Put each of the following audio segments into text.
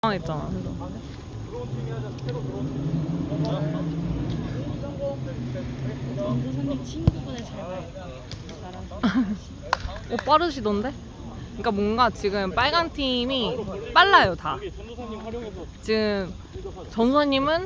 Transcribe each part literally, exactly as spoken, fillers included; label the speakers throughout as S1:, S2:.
S1: 당황했잖아.
S2: 전도사님 친구분을 잘 봐요.
S1: 어, 빠르시던데? 그러니까 뭔가 지금 빨간 팀이 빨라요 다. 지금 전도사님은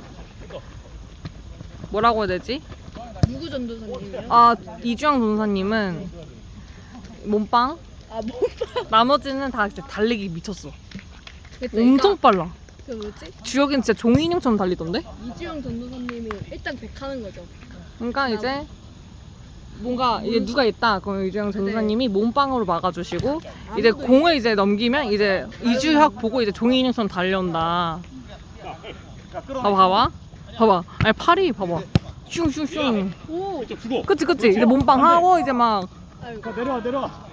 S1: 뭐라고 해야 되지?
S2: 누구 전도사님이요?
S1: 아 이주영 전도사님은 몸빵.
S2: 아 뭐?
S1: 나머지는 다 진짜 달리기 미쳤어.
S2: 그치,
S1: 엄청
S2: 그러니까
S1: 빨라.
S2: 그 뭐지?
S1: 주혁이는 진짜 종이 인형처럼 달리던데?
S2: 이주영 전도사님이 일단 백하는 거죠.
S1: 그러니까 이제 뭔가 이제 누가 있다 그럼 이주영 전도사님이 몸빵으로 막아주시고 이제 공을 이제 넘기면 이제 이주혁 보고 이제 종이 인형처럼 달려온다. 봐봐 봐봐 봐봐 아니 팔이 봐봐 슝슝슝.
S2: 오.
S1: 그치 그치 이제 몸빵 하고 이제 막
S2: 아이고.
S3: 내려와 내려와.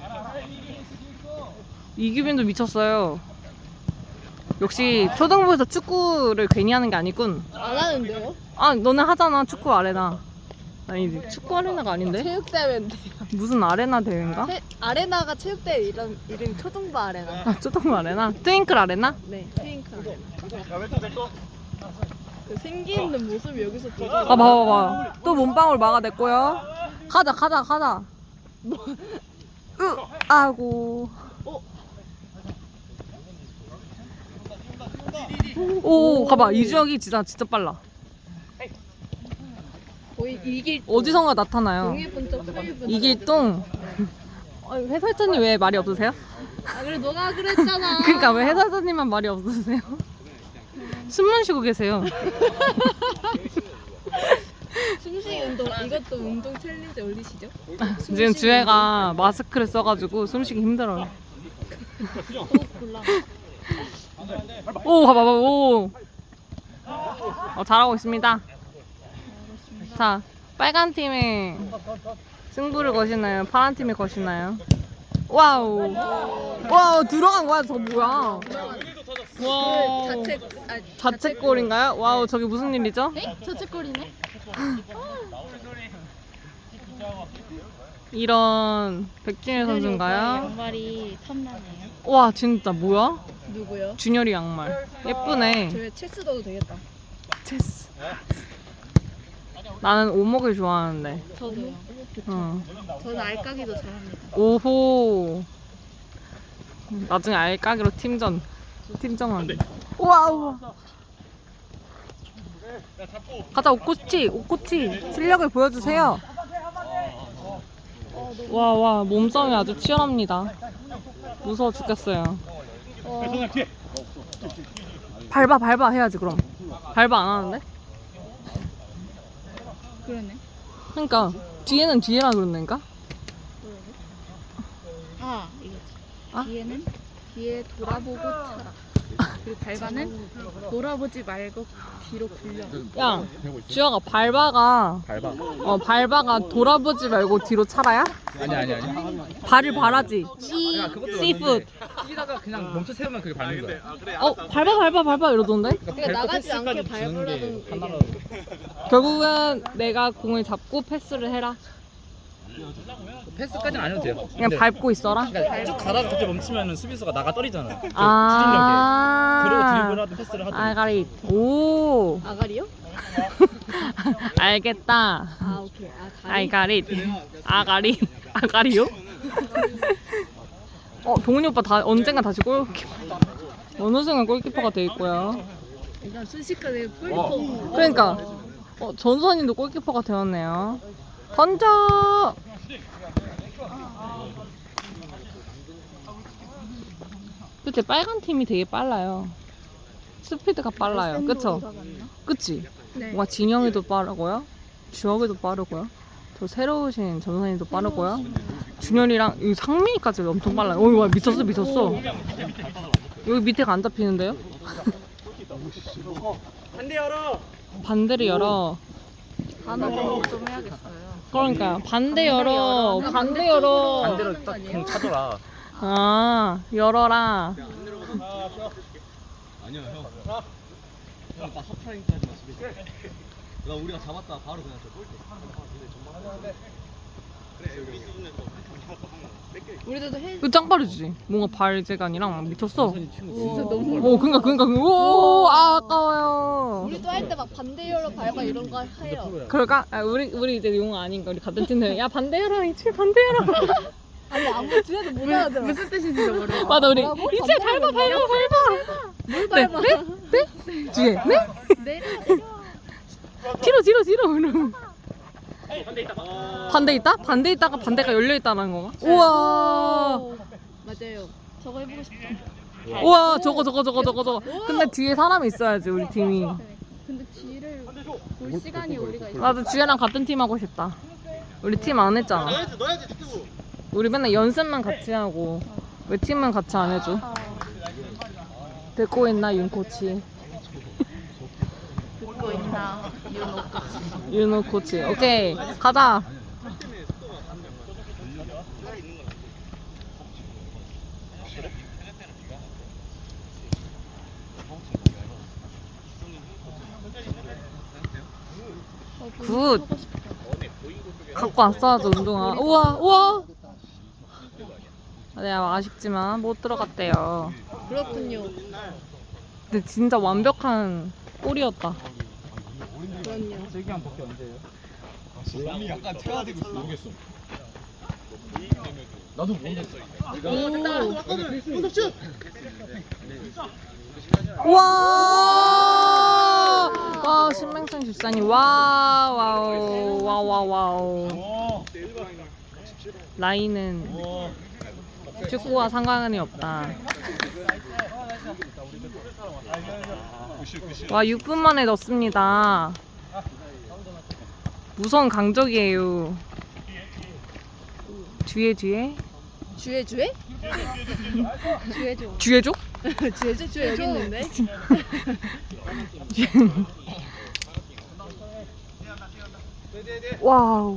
S1: 이규빈도 미쳤어요. 역시 초등부에서 축구를 괜히 하는 게 아니군.
S2: 안 하는데요?
S1: 아 너네 하잖아 축구 아레나. 아니지 축구 아레나가 아닌데?
S2: 체육대회인데.
S1: 무슨 아레나 대회인가?
S2: 체, 아레나가 체육대회 이름 이름 초등부 아레나.
S1: 아 초등부 아레나? 트윙클 아레나?
S2: 네, 트윙크 아레나. 그 생기 있는 모습이 여기서 보여.
S1: 아 봐봐 봐봐 또 몸빵으로 막아냈고요. 가자 가자 가자.
S2: 뭐?
S1: 으 아고.
S2: 어?
S1: 오 가봐 이주혁이 진짜 진짜 빨라.
S2: 거의 이길
S1: 어디선가 나타나요.
S2: 동일분적 소일분적.
S1: 이길동. 어, 해설자님 왜 말이 없으세요?
S2: 아 그래 너가 그랬잖아.
S1: 그러니까 왜 해설자님만 말이 없으세요? 숨만 쉬고 계세요.
S2: 숨쉬기 운동 이것도 운동 챌린지 올리시죠?
S1: 지금 주혜가 마스크를 써가지고 숨쉬기 힘들어요.
S2: 호흡 곤란.
S1: 오 봐봐 봐봐 오. 어, 잘하고 있습니다. 자 빨간 팀이 승부를 거시나요? 파란 팀이 거시나요? 와우 와우 들어간 거야 저 뭐야? 와
S2: 자체 아
S1: 자책골인가요? 와우 저게 무슨 일이죠?
S2: 에? 자책골이네?
S1: 이런 백준일 선수인가요?
S2: 양말이 탐나네요.
S1: 와 진짜 뭐야?
S2: 누구요?
S1: 준열이 양말 예쁘네.
S2: 저희 체스 넣어도 되겠다.
S1: 체스. 나는 오목을 좋아하는데.
S2: 저도요.
S1: 어.
S2: 저는 알까기도 잘합니다.
S1: 오호. 나중에 알까기로 팀전. 팀전한. 와우. 가자 오코치 오코치 실력을 보여주세요. 와 와 몸싸움이 아주 치열합니다. 무서워 죽겠어요.
S2: 어,
S1: 밟아 밟아 해야지 그럼. 밟아 안 하는데?
S2: 그러네.
S1: 그러니까 뒤에는 뒤에라 그러는가?
S2: 아 이거지.
S1: 아?
S2: 뒤에는 뒤에 돌아보고 차라. 그리고 발바는 돌아보지 말고 뒤로 굴려.
S1: 야 주혁아 밟아가
S3: 밟아.
S1: 어 밟아가 돌아보지 말고 뒤로 차라야?
S3: 아니 아니 아니.
S1: 발을 바라지.
S3: 그것도
S1: 씨푸드.
S3: 뛰다가 그냥 멈춰 세우면 그게 밟는 거야.
S1: 어 밟아 밟아 밟아 이러던데?
S2: 그러니까 나가지 않게 밟으라는 얘기야.
S1: 결국은 내가 공을 잡고 패스를 해라.
S3: 패스까지는 안 해도 돼요.
S1: 그냥
S3: 근데
S1: 밟고 있어라.
S3: 그러니까 쭉 가다가 갑자기 멈추면 수비수가 나가 떨어지잖아. 그
S1: 아.
S3: 그리고 드리블하든 패스를 하든.
S1: 알가리. 오.
S2: 아가리요?
S1: 알겠다.
S2: 아 오케이. 아 가리.
S1: 알가리. 아가리. 아가리요? 어 동훈이 오빠 다 언젠가 다시 골키퍼. 어느 순간 골키퍼가 돼 있고요.
S2: 일단 순식간에 골키퍼.
S1: 그러니까 어, 전선님도 골키퍼가 되었네요. 던져. 그치 빨간 팀이 되게 빨라요. 스피드가 빨라요. 그쵸? 그치?
S2: 네.
S1: 뭔가 진영이도 빠르고요. 주혁이도 빠르고요. 저 새로 오신 전선님도 빠르고요. 준열이랑 이 상민이까지 엄청 빨라요. 어이 와 미쳤어 미쳤어. 여기 밑에가 안 잡히는데요?
S3: 반대 열어.
S1: 반대를 열어.
S2: 단어 공부 좀 해야겠어요.
S1: 그러니까 반대 열어. 반대 열어.
S3: 반대로 딱공 차더라.
S1: 아 열어라.
S4: 아니야 형. 형, 나 하프라인까지만 수비. 나 우리가 잡았다 바로 그냥 저 골대. 근데 정말
S2: 우리들도 해.
S1: 이거 짱 빠르지? 뭔가 발재간이랑 미쳤어.
S2: 진짜 너무.
S1: 오, 그니까, 그니까, 그니까. 오, 아, 아까워요.
S2: 우리도 할 때 막 반대열로 밟아 이런 거 해요.
S1: 그럴까? 아, 우리, 우리 이제 용 아닌가? 우리 같은 팀들. 야, 반대해라, 이칠 반대해라.
S2: 아니 아무 뒤에도 못 알아들어. 무슨 뜻인지도 모르고.
S1: 맞아, 우리.
S2: 뭐라고?
S1: 이칠 밟아, 밟아, 밟아.
S2: 뭘
S1: 네,
S2: 밟아?
S1: 네? 네? 뒤에, 네?
S2: 내려 내려.
S1: 뒤로, 뒤로, 뒤로. 이러면. 반대 있다? 반대 있다가 반대가 열려 있다는 건가? 우와.
S2: 오, 맞아요. 저거 해보고 싶다.
S1: 우와, 저거, 저거, 저거, 저거, 저거. 근데 뒤에 사람이 있어야지, 우리 팀이.
S2: 그래. 근데 뒤를 볼 시간이 우리가 있어.
S1: 나도 주혜랑 같은 팀 하고 싶다. 우리 팀 안 했잖아. 우리 맨날 연습만 같이 하고 왜 팀은 같이 안 해줘? 듣고 있나 윤 코치?
S2: 듣고 있나 윤호.
S1: 윤호 코치. 오케이, 가자. 굿. 갖고 왔어야죠, 운동화. 우와, 우와. 네, 아쉽지만 못 들어갔대요.
S2: 그렇군요.
S1: 근데 진짜 완벽한 골이었다.
S2: 그럼요.
S3: 슬기한 복귀 언제예요?
S4: 몸이 약간 퇴화되고 있어. 모르겠어.
S3: 나도 모르겠어.
S1: 와! 와, 신맹선 집사님. 와, 와우. 와우, 와우, 와우. 라인은 축구와 상관이 없다. 와, 육 분 만에 넣습니다. 무서운 강적이에요. 뒤에, 뒤에.
S2: 주에 주에? 주에 줘.
S1: 뒤에죠?
S2: 주에 줘. 주에 여기 있는데.
S1: 와우.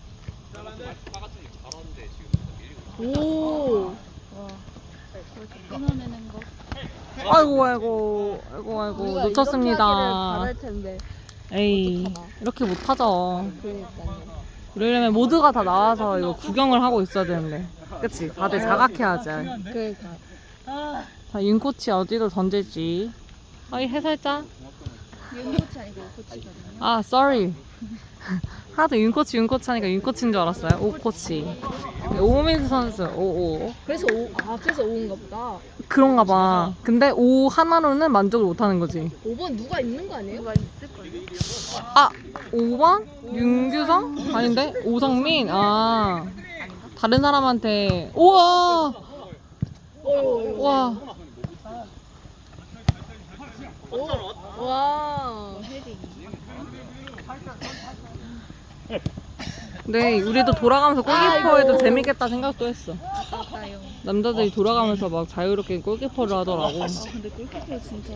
S2: 오. 와. 끊어내는 거.
S1: 아이고, 아이고, 아이고, 아이고, 놓쳤습니다.
S2: 바랄 텐데.
S1: 에이, 이렇게 못하죠.
S2: 그러니까요.
S1: 이러려면 모두가 다 나와서 이거 구경을 하고 있어야 되는데. 그치? 다들 자각해야지.
S2: 그러니까.
S1: 자, 윤코치 어디로 던질지. 아이, 해설자.
S2: 윤코치 아니고 코치거든요.
S1: 아, sorry. 하도 윤코치, 윤코치 하니까 윤코치인 줄 알았어요. 오코치. 오민수 선수, 오오.
S2: 그래서 오, 아 그래서 오인가 보다.
S1: 그런가 봐. 근데 오 하나로는 만족을 못 하는 거지.
S2: 오 번 누가 있는 거 아니에요? 누가 있을 거예요.
S1: 아, 오 번? 윤규성? 아닌데? 오성민? 아. 다른 사람한테. 우와!
S2: 오.
S1: 와.
S2: 오. 와. 헤딩.
S1: 네, 우리도 돌아가면서 골키퍼에도
S2: 아이고.
S1: 재밌겠다 생각도 했어.
S2: 맞아요.
S1: 남자들이 돌아가면서 막 자유롭게 골키퍼를 하더라고.
S2: 근데 골키퍼 진짜.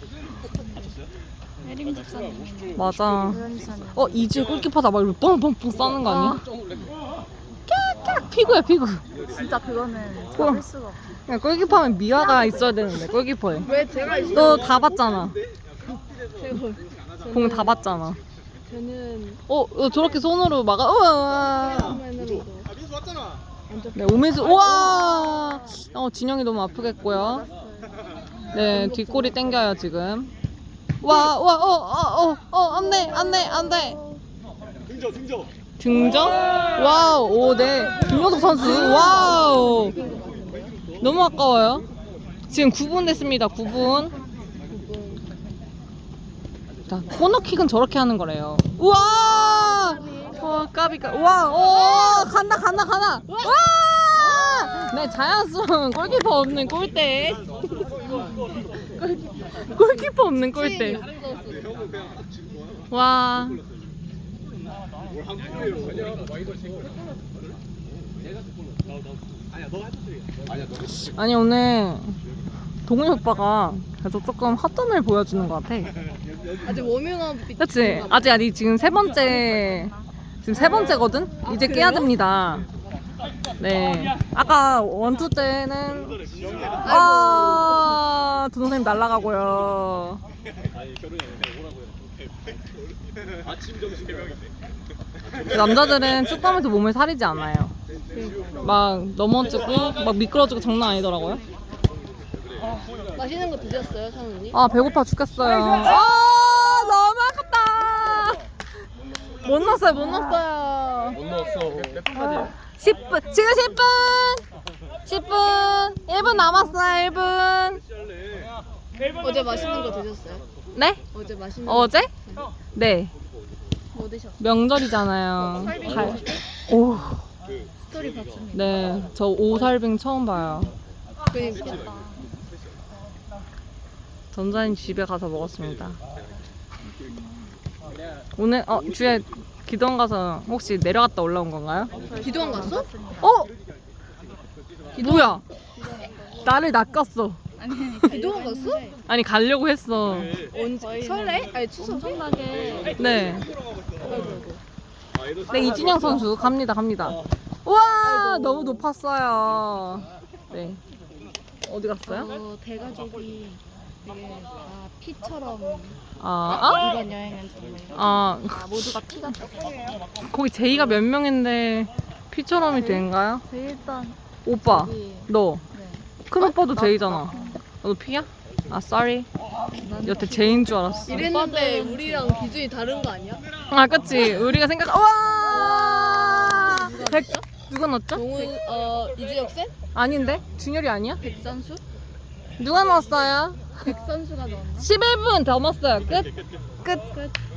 S2: 혜림 집사님.
S1: 맞아.
S2: 조연이사님.
S1: 어, 이지혜 골키퍼다 막 이렇게 뻥뻥뻥 싸는 거 아니야? 깍깍 피구야, 피구.
S2: 진짜 그거는
S1: 어.
S2: 잡을 수가 없어.
S1: 그냥 골키퍼하면 미화가 있어야 되는데, 골키퍼에.
S2: 왜 제가 있어?
S1: 너 다 봤잖아.
S2: 제가
S1: 공 다 봤잖아.
S2: 저는
S1: 어, 어, 저렇게 손으로 막아. 우와.
S2: 화면으로도
S1: 네, 오민수. 우와. 어, 진영이 너무 아프겠고요. 네, 뒷골이 땡겨요, 지금. 와, 와, 어, 어, 어, 어, 안 돼, 안 돼, 안 돼.
S4: 등져 등져.
S1: 등정? 와우, 오, 네. 김효석 선수. 와우. 너무 아까워요. 지금 구 분 됐습니다, 구 분. 자, 코너킥은 저렇게 하는 거래요. 우와! 와, 까비까. 와, 오, 간다, 간다, 간다. 와! 네, 자연스러운 골키퍼 없는 골대. 골키퍼 없는 골대. 와. 아니, 오늘 동훈이 오빠가 계속 조금 헛점을 보여주는 것 같아.
S2: 아직 워밍업
S1: 그치? 아직 아직 지금 세 번째 지금 세 번째거든? 이제 깨야 됩니다. 네. 아까 원투 때는 아, 두 선생님 날아가고요.
S4: 아침 점심 세 명인데.
S1: 남자들은 축구하면서 몸을 사리지 않아요. 막 넘어지고 막 미끄러지고 장난 아니더라고요.
S5: 맛있는 거 드셨어요, 사모님?
S1: 아 배고파 죽겠어요. 아 너무 아깝다. 못 넣었어요, 못 넣었어요.
S4: 못 넣었어. 몇분 까지?
S1: 십 분 지금 십 분 십 분 일 분 남았어요. 일 분.
S5: 어제 맛있는 거 드셨어요?
S1: 네?
S5: 어제 맛있는 거
S1: 어제? 네.
S5: 뭐 드셨어요?
S1: 명절이잖아요. 갈- 오,
S5: 스토리 봤습니다.
S1: 네. 저 오살빙 처음 봐요.
S5: 그러니까.
S1: 전자님 집에 가서 먹었습니다. 오늘 어 주에 기도원 가서 혹시 내려갔다 올라온 건가요?
S5: 기도원 갔어?
S1: 어? 뭐야? 나를 낚았어.
S5: 기도원 갔어?
S1: 아니 가려고 했어.
S5: 언제? 설레? 아니 추석. 엄청나게.
S1: 네. 네 이진영 선수 갑니다 갑니다. 우와 너무 높았어요. 네. 어디 갔어요?
S2: 어, 대가족이 되게 다 피처럼
S1: 아, 아?
S2: 이번 여행은 정말
S1: 아
S2: 다 모두가 피 같았어.
S1: 거기 제이가 몇 명인데 피처럼이 된가요?
S2: 저 일단
S1: 오빠
S2: 여기
S1: 너 큰
S2: 네.
S1: 오빠도 제이잖아. 너 피야? 아 쏘리. 여태 제인 줄 알았어.
S5: 이랬는데 우리랑 기준이 다른 거 아니야?
S1: 아 그치 우리가 생각 와 백 누가 넣었죠?
S5: 동훈, 어, 이주혁 쌤?
S1: 아닌데 준열이 아니야?
S2: 백선수?
S1: 누가 넣었어요?
S2: 백선수가 넣었나?
S1: 십일 분 넘었어요. 끝. 끝.
S2: 끝.